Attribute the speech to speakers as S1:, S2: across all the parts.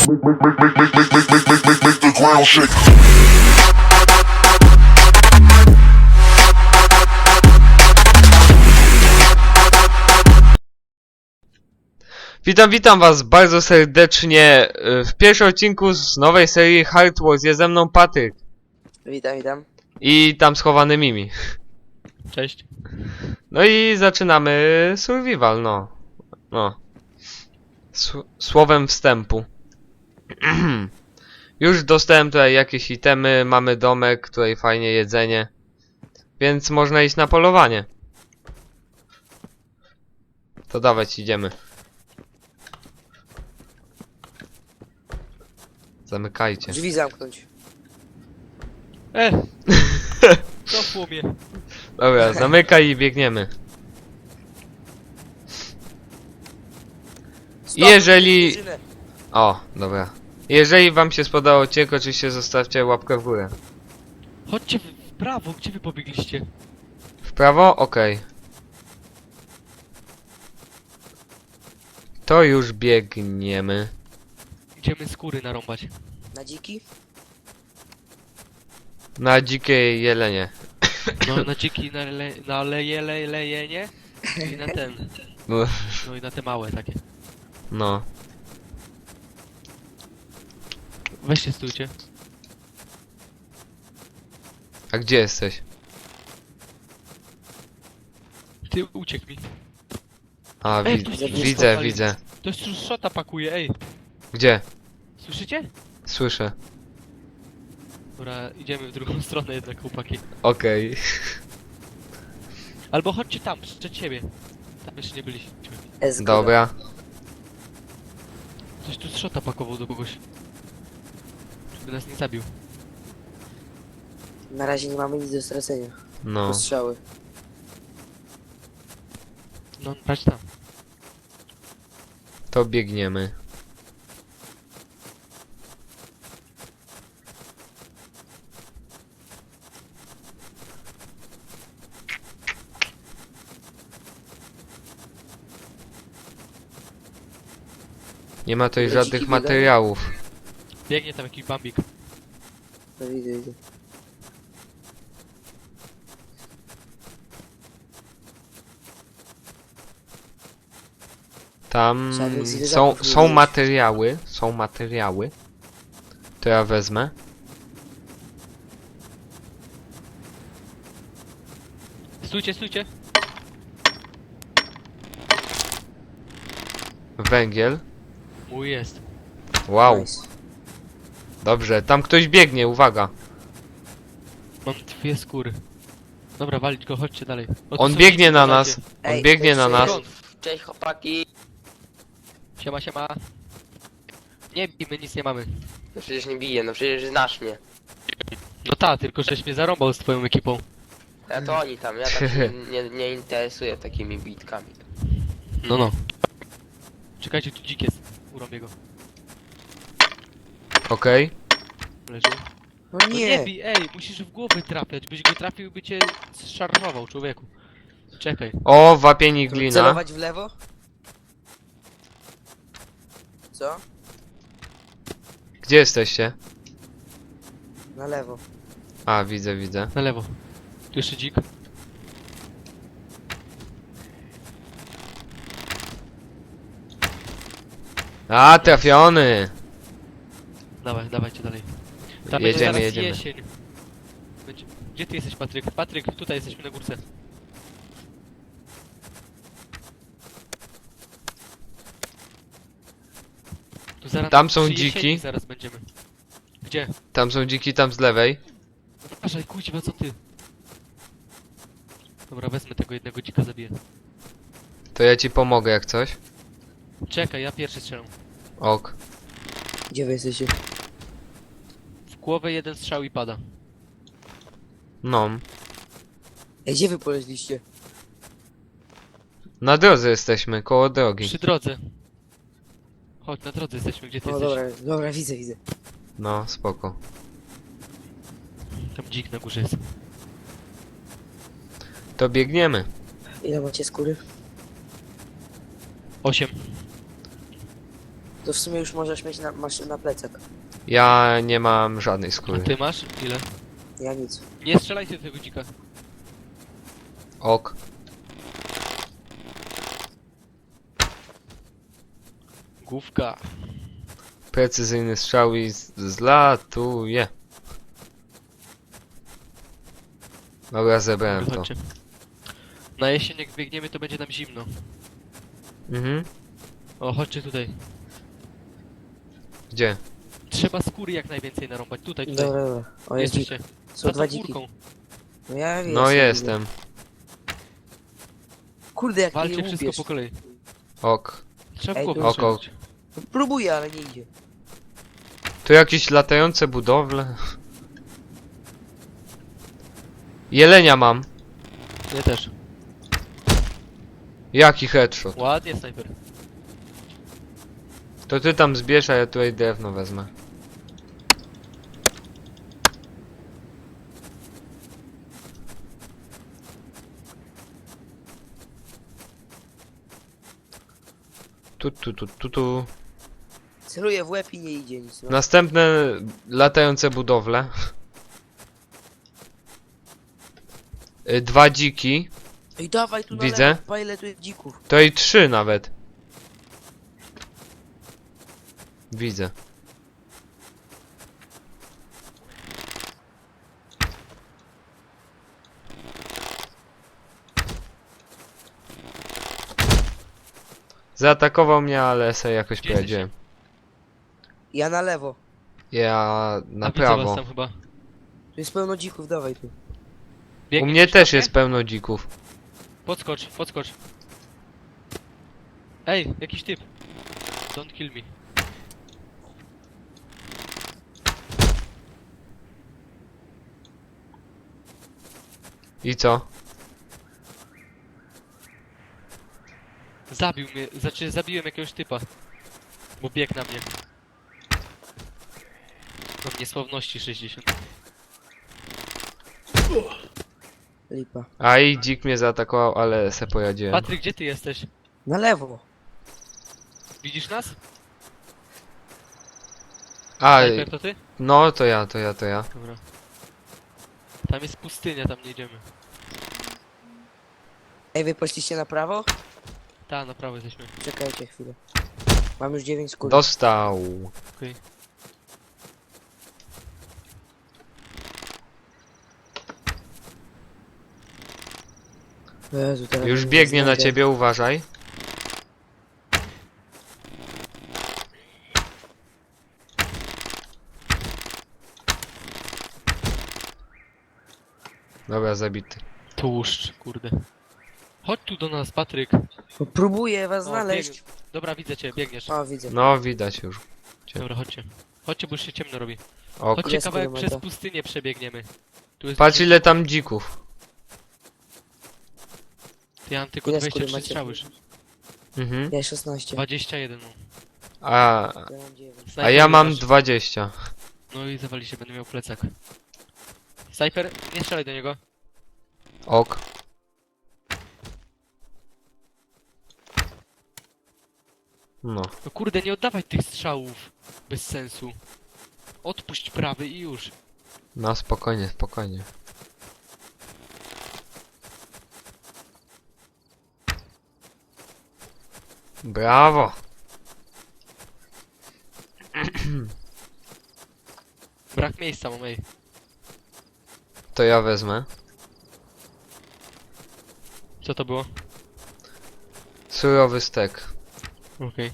S1: Make the ground shake.
S2: Witam was bardzo serdecznie w pierwszym odcinku z nowej serii Hard Wars. Jest ze mną Patryk.
S3: Witam.
S2: I tam schowany Mimi.
S4: Cześć.
S2: No i zaczynamy survival, Słowem wstępu. Już dostałem tutaj jakieś itemy, mamy domek, tutaj fajnie jedzenie. Więc można iść na polowanie. To dawać, idziemy. Zamykajcie.
S3: Drzwi zamknąć.
S4: Cofło mnie.
S2: Dobra, zamykaj i biegniemy.
S3: Stop,
S2: Jeżeli...
S3: drużynę.
S2: O, dobra. Jeżeli wam się spodobał odcinek, oczywiście zostawcie łapkę w górę.
S4: Chodźcie w prawo, gdzie wy pobiegliście?
S2: W prawo? Okej. To już biegniemy.
S4: Idziemy skóry narąbać.
S3: Na dziki?
S2: Na dzikiej jelenie.
S4: No na dziki, na lejenie i na ten.
S2: No.
S4: No i na te małe takie.
S2: No.
S4: Weźcie stójcie.
S2: A gdzie jesteś?
S4: Ty uciekł mi.
S2: A,
S4: Ej, ktoś tu
S2: widzę,
S4: stopali.
S2: widzę.
S4: Ktoś tu szota pakuje, ej.
S2: Gdzie?
S4: Słyszycie?
S2: Słyszę.
S4: Dobra, idziemy w drugą stronę jednak, chłopaki.
S2: Okej.
S4: Albo chodźcie tam, przed siebie. Tam jeszcze nie byliśmy.
S3: S
S2: Dobra.
S4: Ktoś tu szota pakował do kogoś. Żeby nas nie zabił.
S3: Na razie nie mamy nic do stracenia.
S2: No.
S3: Postrzały.
S4: No, patrz tam.
S2: To biegniemy. Nie ma tutaj
S3: Ale
S2: żadnych
S3: dziki biegają?
S2: materiałów.
S4: Biegnie tam jakiś bambik.
S3: No widzę.
S2: Tam
S3: Żadnych zwierzaków
S2: są,
S3: nie
S2: są
S3: widzisz.
S2: materiały, są materiały. To ja wezmę.
S4: Stójcie, stójcie.
S2: Węgiel.
S4: Mój jest.
S2: Wow,
S3: Nice.
S2: dobrze, tam ktoś biegnie, uwaga.
S4: Mam dwie skóry. Dobra, walić go, chodźcie dalej. O, tu
S2: On
S4: są
S2: biegnie
S4: dzieci,
S2: na
S4: uważajcie.
S2: nas. On
S3: Ej,
S2: biegnie na
S3: cześć,
S2: nas.
S4: Skąd?
S3: Cześć chłopaki.
S4: Siema, siema. Nie bij, my nic nie mamy.
S3: No przecież nie biję, no przecież znasz mnie.
S4: No ta, tylko żeś mnie zarąbał z twoją ekipą.
S3: A to oni tam, ja tak się nie interesuję takimi bitkami.
S4: No, no. Czekajcie, tu dzik jest. Urąbię go.
S2: Okej.
S4: Leży.
S3: No
S4: No nie bij, ej, musisz w głowę trafiać. Byś go trafił, by cię zszarżował, człowieku. Czekaj.
S2: O, wapieni glina.
S3: Celować w lewo? Co?
S2: Gdzie jesteście?
S3: Na lewo.
S2: A, widzę, widzę.
S4: Na lewo. Tu jeszcze dzik.
S2: A, trafiony.
S4: Dawaj, dawajcie dalej. Tam
S2: Jedziemy,
S4: będzie zaraz
S2: jedziemy.
S4: jesień. Gdzie ty jesteś, Patryk? Patryk, tutaj jesteśmy na górce. Tu zaraz
S2: Tam są
S4: przy jesieni
S2: dziki.
S4: Zaraz będziemy. Gdzie?
S2: Tam są dziki, tam z lewej.
S4: Uważaj, kuźwa, co ty? Dobra, wezmę tego jednego dzika, zabiję.
S2: To ja ci pomogę jak coś.
S4: Czekaj, ja pierwszy strzelam.
S2: Ok.
S3: Gdzie wy jesteście?
S4: W głowę jeden strzał i pada.
S2: No.
S3: Ej, gdzie wy poleźliście?
S2: Na drodze jesteśmy, koło drogi.
S4: Przy drodze. Chodź, na drodze jesteśmy, gdzie ty
S3: O,
S4: jesteś?
S3: dobra, widzę.
S2: No, spoko.
S4: Tam dzik na górze jest.
S2: To biegniemy.
S3: Ile macie skóry?
S4: 8.
S5: To w sumie już możesz mieć masz na plecach.
S2: Ja nie mam żadnej
S4: A
S2: skóry.
S4: ty masz? Ile?
S5: Ja nic.
S4: Nie strzelajcie do tego dzika.
S2: Ok.
S4: Główka.
S2: Precyzyjny strzał i zlatuje. Dobra, zebrałem to.
S4: Chodźcie. Na jesień jak biegniemy, to będzie nam zimno.
S2: Mhm.
S4: O, chodźcie tutaj.
S2: Gdzie?
S4: Trzeba skóry jak najwięcej narąbać. Tutaj, tutaj.
S5: Dobra, dobra. O, jest dzik.
S4: Jesteście.
S5: Są
S4: Za
S5: dwa
S4: tą
S5: dziki.
S4: górką.
S5: No ja wiem.
S2: No jestem.
S5: Kurde, jak
S4: Walcie
S5: mnie
S4: wszystko
S5: łupiesz.
S4: po kolei.
S2: Ok.
S4: Trzeba w
S5: Ej,
S4: głowę
S2: ok,
S4: strzelać.
S5: No, próbuję, ale nie idzie.
S2: Tu jakieś latające budowle. Jelenia mam.
S4: Ja też.
S2: Jaki headshot?
S4: Ładnie, snajper.
S2: To ty tam zbierz, a ja tutaj drewno wezmę. Tu.
S5: Celuję w łeb i nie idzie nic. No.
S2: Następne latające budowle. Dwa dziki.
S5: Ej, dawaj tu na
S2: Widzę.
S5: lewo, pa ile tu jest dzików.
S2: To i trzy nawet. Widzę. Zaatakował mnie, ale sobie jakoś
S4: Gdzie
S2: poradziłem.
S5: Ja na lewo.
S2: Ja na
S4: A widzę was
S2: prawo.
S4: tam chyba.
S5: Tu jest pełno dzików, dawaj tu.
S2: U
S4: Biegnie
S2: mnie
S4: ktoś
S2: też
S4: na
S2: jest pełno dzików.
S4: Podskocz, podskocz. Ej, jakiś typ. Don't kill me.
S2: I co?
S4: Zabił mnie, znaczy zabiłem jakiegoś typa. Bo biegł na mnie. Mam niesławności 60.
S5: Lipa.
S2: A i dzik mnie zaatakował, ale se poradziłem.
S4: Patryk, gdzie ty jesteś?
S5: Na lewo.
S4: Widzisz nas?
S2: A,
S4: Snajper to ty?
S2: no to ja.
S4: Dobra. Tam jest pustynia, tam nie idziemy.
S5: Ej, wy poszliście na prawo?
S4: Ta, na prawo jesteśmy.
S5: Czekajcie chwilę. Mam już 9 skór.
S2: Dostał.
S4: Okej.
S5: Jezu, teraz
S2: Już
S5: mnie
S2: biegnie na
S5: znajdzie.
S2: ciebie, uważaj. Dobra, zabity.
S4: Tłuszcz, kurde. Chodź tu do nas, Patryk.
S5: No, próbuję was
S4: O,
S5: znaleźć.
S4: Dobra, widzę cię, biegniesz.
S5: O, widzę.
S2: No, widać już.
S4: Dobra, chodźcie. Chodźcie, bo już się ciemno robi.
S2: Ok.
S4: Chodźcie
S5: Jest
S4: kawałek
S5: kilometra.
S4: przez pustynię przebiegniemy. Tu jest
S2: Patrz
S4: dużo-
S2: ile tam dzików.
S4: Ja mam tylko
S5: Ile
S4: 23
S5: skóry macie?
S4: strzały już.
S2: Mhm.
S5: Ja 16.
S4: 21 mam.
S2: A,
S5: Ja mam 9.
S2: a
S4: Snajper,
S2: ja mam
S4: masz.
S2: 20.
S4: No i zawali się, będę miał plecak. Snajper, nie strzelaj do niego.
S2: Ok. No.
S4: No kurde, nie oddawaj tych strzałów. Bez sensu. Odpuść prawy i już.
S2: No, spokojnie. Brawo.
S4: Brak miejsca mam, ej.
S2: To ja wezmę.
S4: Co to było?
S2: Surowy stek.
S4: Okej.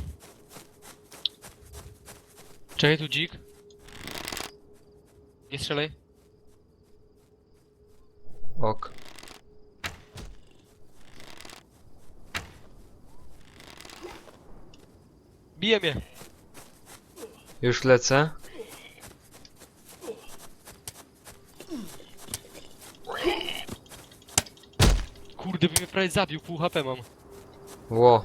S4: Czekaj, tu dzik. Nie strzelaj.
S2: Ok.
S4: Bije mnie.
S2: Już lecę.
S4: Kurde, by mnie prawie zabił, pół HP mam.
S2: Ło.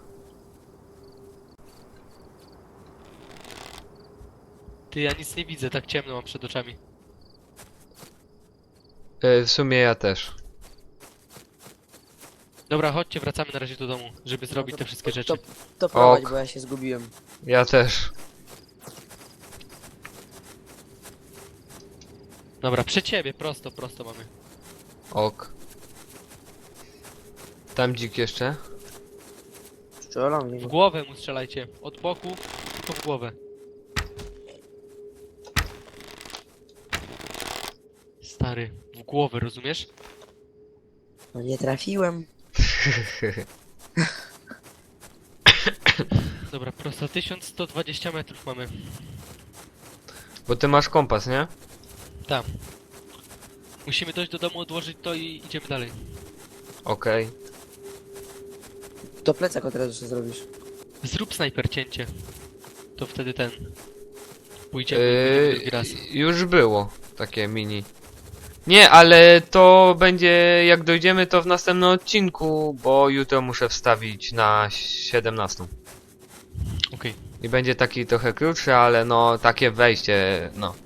S4: Ty, ja nic nie widzę, tak ciemno mam przed oczami.
S2: W sumie ja też.
S4: Dobra, chodźcie, wracamy na razie do domu, żeby zrobić te wszystkie rzeczy.
S5: To prowadź,
S2: Ok.
S5: bo ja się zgubiłem.
S2: Ja też.
S4: Dobra, przed ciebie, prosto mamy.
S2: Ok. Tam dzik jeszcze.
S5: Strzelam
S4: W
S5: mnie.
S4: głowę mu strzelajcie. Od boku, tylko w głowę. Stary, w głowę, rozumiesz?
S5: No nie trafiłem.
S4: Dobra, prosto 1120 metrów mamy.
S2: Bo ty masz kompas, nie?
S4: Tam. Musimy dojść do domu, odłożyć to i idziemy dalej.
S2: Okej.
S5: To plecak od razu sobie zrobisz.
S4: Zrób snajper cięcie. To wtedy ten. Pójdziemy drugi raz.
S2: Już było takie mini. Nie, ale to będzie, jak dojdziemy, to w następnym odcinku, bo jutro muszę wstawić na 17.
S4: Okej.
S2: I będzie taki trochę krótszy, ale no, takie wejście, no.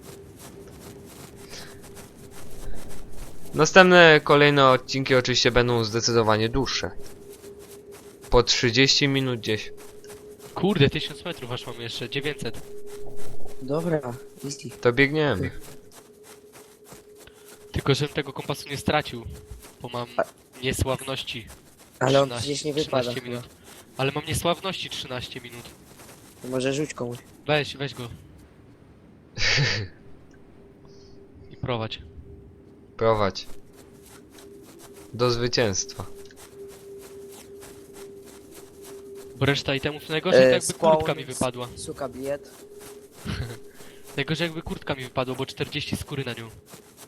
S2: Następne, kolejne odcinki oczywiście będą zdecydowanie dłuższe. Po 30 minut gdzieś.
S4: Kurde, 1000 metrów aż mamy jeszcze, 900.
S5: Dobra, easy.
S2: To biegniemy.
S4: Tylko żebym tego kompasu nie stracił. Bo mam niesławności.
S5: Ale on
S4: 13
S5: przecież nie wypada
S4: 13
S5: chyba.
S4: minut. Ale mam niesławności 13 minut.
S5: To może rzuć komuś.
S4: Weź go. I prowadź.
S2: Prowadź. Do zwycięstwa.
S4: Bo reszta itemów najgorzej to jakby
S5: spawn,
S4: kurtka mi wypadła.
S5: Suka bied.
S4: Najgorzej jakby kurtka mi wypadła, bo 40 skóry na nią.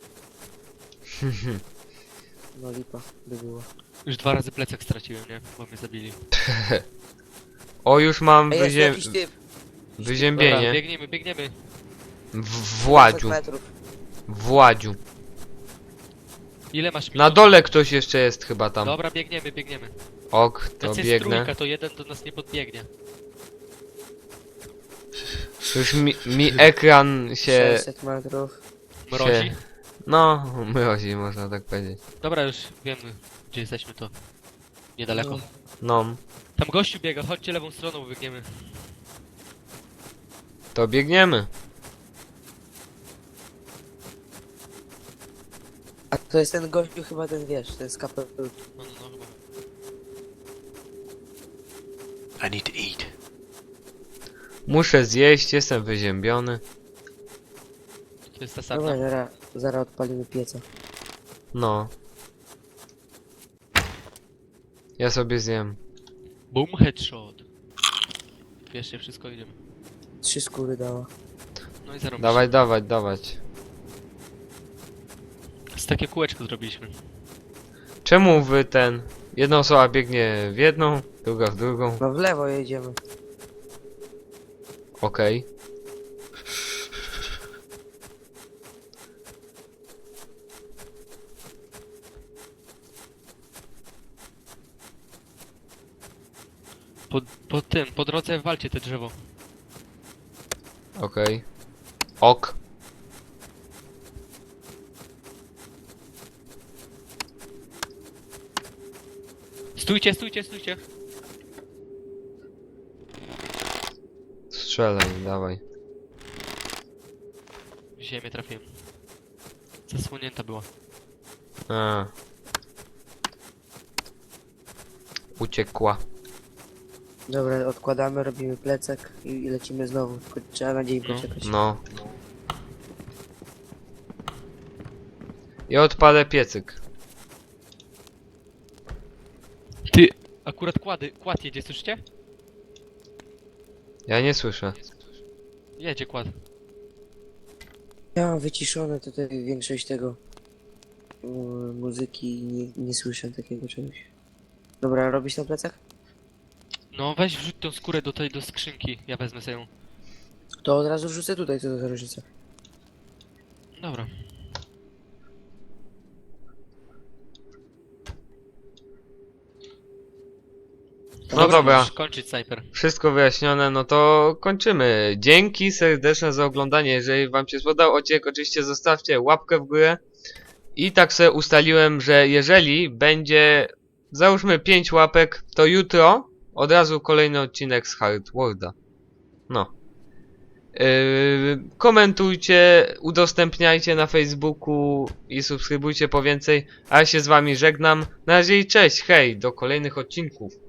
S5: No lipa by było.
S4: Już 2 razy plecak straciłem, nie? Bo mnie zabili.
S2: O, już mam
S5: Ej, jest jakiś typ.
S4: Dobra,
S2: wyziębienie.
S4: biegniemy.
S2: W Władziu.
S5: 500 metrów.
S2: W Władziu.
S4: Ile masz minut?
S2: Na dole ktoś jeszcze jest chyba tam.
S4: Dobra, biegniemy.
S2: Ok, to
S4: Nas jest
S2: biegnę.
S4: trójka, to jeden do nas nie podbiegnie.
S2: Już mi ekran się...
S5: 600 metrów.
S4: Mrozi?
S2: No, mrozi, można tak powiedzieć.
S4: Dobra, już wiemy, gdzie jesteśmy, to niedaleko.
S5: No.
S2: No,
S4: Tam gościu biega, chodźcie lewą stroną, biegniemy.
S2: to biegniemy.
S5: A to jest ten gościu chyba ten, wiesz, ten z kapel.
S4: No, chyba.
S6: I need to eat.
S2: Muszę zjeść, jestem wyziębiony.
S4: To jest ta
S5: Dobra,
S4: sarna.
S5: zaraz odpalimy pieca.
S2: No. Ja sobie zjem.
S4: Boom, headshot. Bierzcie wszystko, idziemy.
S5: 3 skóry dała.
S4: No i zarobić.
S2: Dawać.
S4: Z takie kółeczko zrobiliśmy.
S2: Czemu wy ten... Jedna osoba biegnie w jedną, druga w drugą.
S5: No w lewo jedziemy.
S2: Okej.
S4: Po drodze walcie te drzewo.
S2: Okej. Ok.
S4: Stójcie.
S2: Strzelaj, dawaj.
S4: W ziemię trafiłem. Zasłonięta była.
S2: A. Uciekła.
S5: Dobra, odkładamy, robimy plecak i lecimy znowu. Tylko trzeba na dzień poczekać.
S2: No. I odpalę piecyk.
S4: Ty! Akurat kład jedzie, słyszycie?
S2: Ja nie słyszę.
S4: Jedzie kład.
S5: Ja mam wyciszone tutaj większość tego muzyki i nie słyszę takiego czegoś. Dobra, robisz na plecach?
S4: No weź wrzuć tą skórę do skrzynki, ja wezmę sobie ją.
S5: To od razu wrzucę tutaj, co to za różnica.
S4: Dobra.
S2: No dobra.
S4: Możesz kończyć snajper.
S2: Wszystko wyjaśnione, no to kończymy. Dzięki serdeczne za oglądanie. Jeżeli wam się spodobał odcinek, oczywiście zostawcie łapkę w górę. I tak sobie ustaliłem, że jeżeli będzie załóżmy 5 łapek, to jutro od razu kolejny odcinek z Hardworlda. No. Komentujcie, udostępniajcie na Facebooku i subskrybujcie po więcej. A ja się z wami żegnam. Na razie i cześć, hej, do kolejnych odcinków.